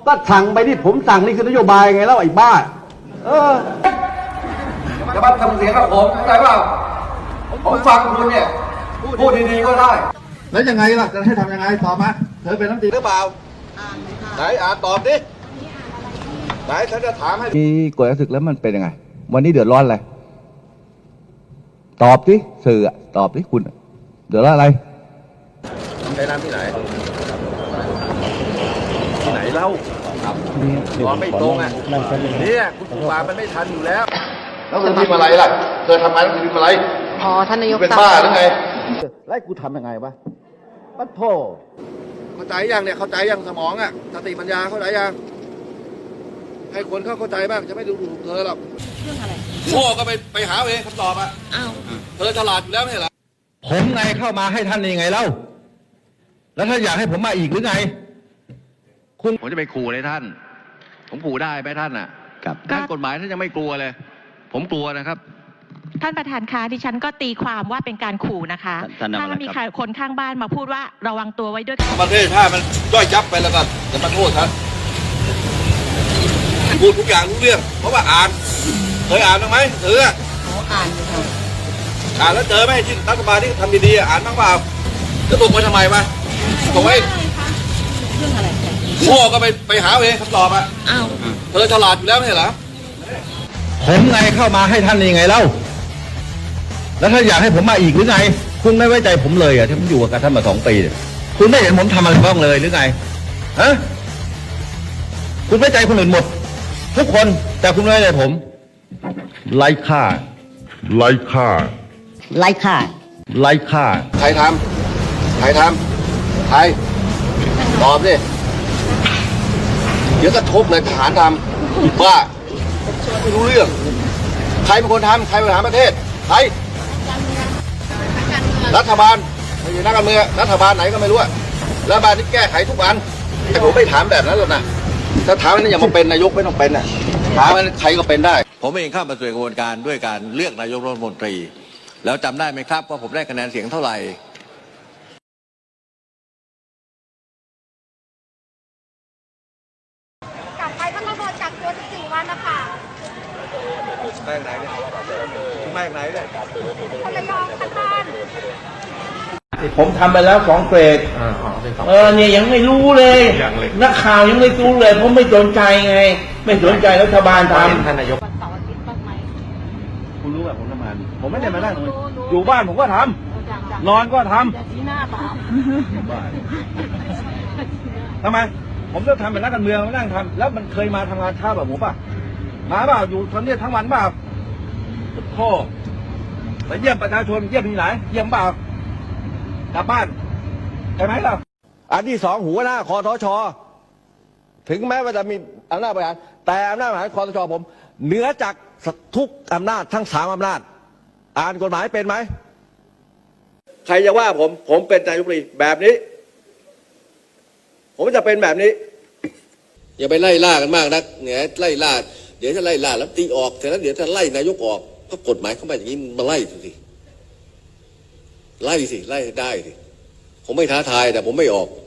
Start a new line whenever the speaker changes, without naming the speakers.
ก็สั่งไปที่ผมสั่งนี่คือนโยบายไงแล้วไอ้บ้า
จะมาทำเสียงกับผมเข้าใจเปล่าผมฟังคุณเนี่ยพูดดีๆก็ได้
แล้วยังไงล่ะจะให้ทำยังไงตอบมาเธอเป็นรัฐมนตรี
หรือเปล่าไหนอ่านตอบดิไหนฉันจะถามให้
มีกฎศึกแล้วมันเป็นยังไงวันนี้เดือดร้อนอะไรตอบสิสื่อตอบสิคุณเดือดร้อนอะไร
ไปน้ำที่ไหนที่ไหนเล่าครับตอนไม่ตรงอ่ะเนี่ยคุณครูบามันไม่ทันอยู่แล้วแล้วเธอพิมพ์อะไรล่ะเธอทำงานแล้วเธอพิมพ์อะไร
พอท่านนายก
เป็นบ้าหรือไง
ไล่กูทำยังไงวะปัดโท
เข้าใจยังเนี่ยเข้าใจยังสมองอ่ะสติปัญญาเข้าใจยังให้คนเข้าใจบ้างจะไม่ดูถูกเธอหรอก
เรื่องอะไร
โง่ก็ไปหาเองคำตอบอ่ะอ้าวเธอฉลาดอยู่แล้วไม่ใช่เหรอ
ผมไงเข้ามาให้ท่านยังไงเล่าแล้วท่านอยากให้ผมมาอีกหรือไง
ผมจะไปขู่เลยท่านผมขู่ได้ไหมท่านอ่ะครับท่านกฎหมายท่านยังไม่กลัวเลยผมกลัวนะครับ
ท่านประธานคะดิฉันก็ตีความว่าเป็นการขู่นะคะถ้ามีคนข้างบ้านมาพูดว่าระวังตัวไว้ด้วย
ประเทศถ้ามันย่อยยับไปแล้วก็จะมาโทษท่านพูดทุกอย่างรู้เรื่องเพราะว่าอ่านเคยอ่านบ้างไหมเธอ
อ่านอยู่ค่ะ
อ่านแล้วเจอไหมที่รัฐบาลที่ทำดีๆอ่านบ้างเปล่าจะส่งไปทำไมวะส่งไว้
เรื่องอะไร
โง่ก็ไปหาเองคำตอบอ่ะอ้าวเธอฉลาดอยู่แล้วไม่ใช่เหรอ
ผมไงเข้ามาให้ท่านยังไงเล่าแล้วท่านอยากให้ผมมาอีกหรือไงคุณไม่ไว้ใจผมเลยอ่ะที่ผมอยู่กับท่านมา2 ปีคุณไม่เห็นผมทำอะไรบ้างเลยหรือไงฮะคุณไว้ใจคนอื่นหมดทุกคนแต่คุณไม่ไว้ใจผมไร้ค่า
ไร้ค่า
ไร้ค่าไร้ค่า
ใครทำใครตอบดิเดี๋ยวก็ทุบเลยทหารทำว่าไม่รู้เรื่องใครเป็นคนทำใครบริหารประเทศใครรัฐบาลไม่ใช่นักการเมืองรัฐบาลไหนก็ไม่รู้รัฐบาลที่แก้ไขทุกวันแต่ผมไม่ถามแบบนั้นหรอกนะถ้าถามนั้นอย่ามาเป็นนายกไม่ต้องเป็นน่ะถามนั้นใครก็เป็นได้
ผมเองเข้ามาสู่กระบวนการด้วยการเลือกนายกรัฐมนตรีแล้วจำได้ไหมครับว่าผมได้คะแนนเสียงเท่าไหร่
กลับไปก็ต้องโดนกักตัว14 วันนะคะ
มาจากไหนเนี่ยมาจากไหนเนี่ย
คนระยองค่ะท่าน
ผมทำไปแล้ว2 เกรดเนี่ยยังไม่รู้เลยนักข่าวยังไม่รู้เลยผมไม่สนใจไงไม่สนใจรัฐบาลทำท่านนายก
วันเสาร์อาทิตย์บ้างไหม
คุณรู้แบบผมทำงานผมไม่ได้มานั่งอยู่บ้านผมก็ทำนอนก็ทำ
ชี้หน้าเปล่า
ทำไมผมจะทำเป็นนักการเมืองมานั่งทำแล้วมันเคยมาทำงานเช้าแบบผมป่ะมาเปล่าอยู่ทำเนี่ยทั้งวันเปล่าโอ้ไปเยี่ยมประชาชนเยี่ยมที่ไหนเยี่ยมเปล่ากลับบ้านใช่ไหมล่ะ
อันที่2หัวหน้าคอทช.ถึงแม้ว่าจะมีอำนาจบริหารแต่อำนาจบริหารคอทช.ผมเหนือจากทุกอำนาจทั้ง3 อำนาจอ่านกฎหมายเป็นไหมใครจะว่าผมเป็นนายกรัฐมนตรีแบบนี้ผมจะเป็นแบบนี้อย่าไปไล่ล่ากันมากนักเนี่ยไล่ล่าเดี๋ยวจะไล่ล่าแล้วตีออกแต่แล้วเดี๋ยวจะไล่นายกออกก็กฎหมายเข้ามาอย่างนี้มาไล่สิไล่ได้สิผมไม่ท้าทายแต่ผมไม่ออก